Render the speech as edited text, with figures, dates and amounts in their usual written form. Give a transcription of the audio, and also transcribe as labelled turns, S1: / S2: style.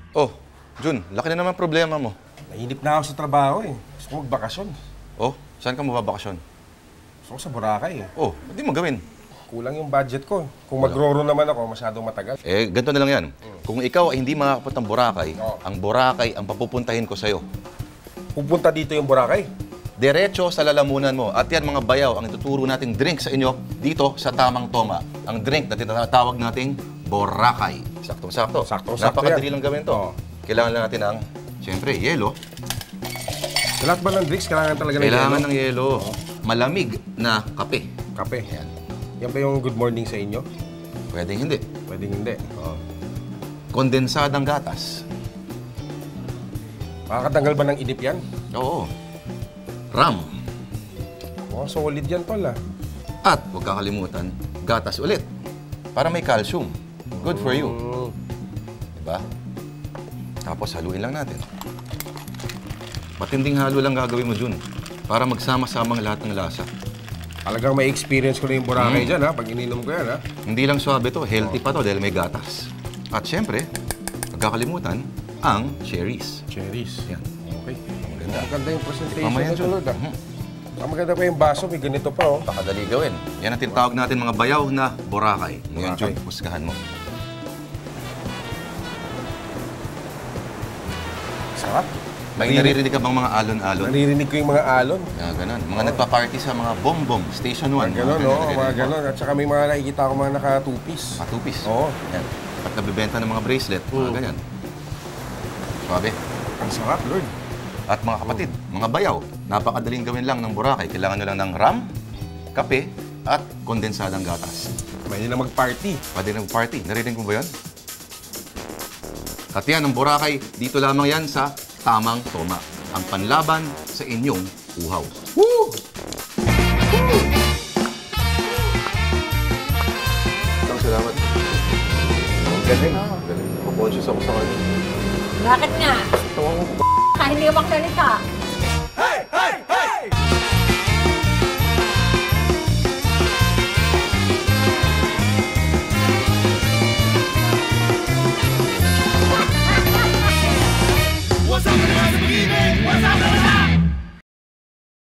S1: Oh, Jun, laki na naman problema mo.
S2: Nainip na ako sa trabaho eh. Gusto ko magbakasyon.
S1: Oh, saan ka mababakasyon?
S2: Gusto ko sa Boracay eh.
S1: Oh, hindi mo gawin.
S2: Kulang yung budget ko. Kung magro-ro naman ako, masyadong matagal.
S1: Eh, ganito na lang yan. Kung ikaw ay hindi makakapunta ng Boracay, ang Boracay ang papupuntahin ko sa'yo.
S2: Pupunta dito yung Boracay.
S1: Diretso sa lalamunan mo. At yan mga bayaw, ang ituturo nating drink sa inyo dito sa Tamang Toma. Ang drink na tinatawag nating Boracay. Saktong-sakto.
S2: Saktong-sakto
S1: Napakadali
S2: yan.
S1: lang gawin to. Kailangan lang natin ng, siyempre, yelo.
S2: Sa lahat ba ng drinks, kailangan talaga ng
S1: Kailangan
S2: yelo?
S1: ng yelo. Malamig na kape.
S2: Kape.
S1: Yan.
S2: Yan ba yung good morning sa inyo?
S1: Pwedeng hindi.
S2: Pwedeng hindi.
S1: Kondensadang gatas.
S2: Makakatanggal ba ng inip yan?
S1: Oo. Ram.
S2: Oh, solid yan tol ah.
S1: At huwag kakalimutan, gatas ulit. Para may calcium. Good for you. Diba? Tapos haluin lang natin. Matinding halo lang gagawin mo, Jun. Para magsama-samang lahat ng lasa.
S2: Talagang may experience ko na yung Boracay dyan ha. Pag ininom ko yan ha.
S1: Hindi lang suabe to, healthy pa to dahil may gatas. At syempre, huwag kakalimutan, ang cherries.
S2: Cherries.
S1: Yan.
S2: Okay.
S1: Maganda.
S2: Maganda yung presentation
S1: Mamaya,
S2: nito,
S1: Jun.
S2: Lord ah. Ang maganda pa yung baso, may ganito pa oh.
S1: Pakadali gawin. Yan ang tinatawag natin mga bayaw na Boracay. Ngayon,
S2: Boracay.
S1: Jun, husgahan mo.
S2: Sarap.
S1: May naririnig ka bang mga alon-alon?
S2: Naririnig ko yung mga alon.
S1: Ganun. Mga nagpa-party sa mga bom-bom, Station 1.
S2: Gano'n, no? Mga gano'n. At saka may mga nakikita ako mga naka-two-piece.
S1: Matupis.
S2: Oo.
S1: Yan. At nabibenta ng mga bracelet, mga ganyan. Suwabe.
S2: Ang sarap, Lord.
S1: At mga kapatid, mga bayaw, napakadaling gawin lang ng Boracay. Kailangan nyo lang ng ram, kape, at kondensadang gatas.
S2: Pwede na mag-party.
S1: Pwede na mag-party. Narinig mo ba yun? At yan, ang Boracay, dito lamang yan sa Tamang Toma. Ang panlaban sa inyong uhaw.
S2: Woo!
S1: Salamat. Ang galing. Galing. Conscious ako sa kanya.
S3: Bakit nga? Hindi ka magsalita.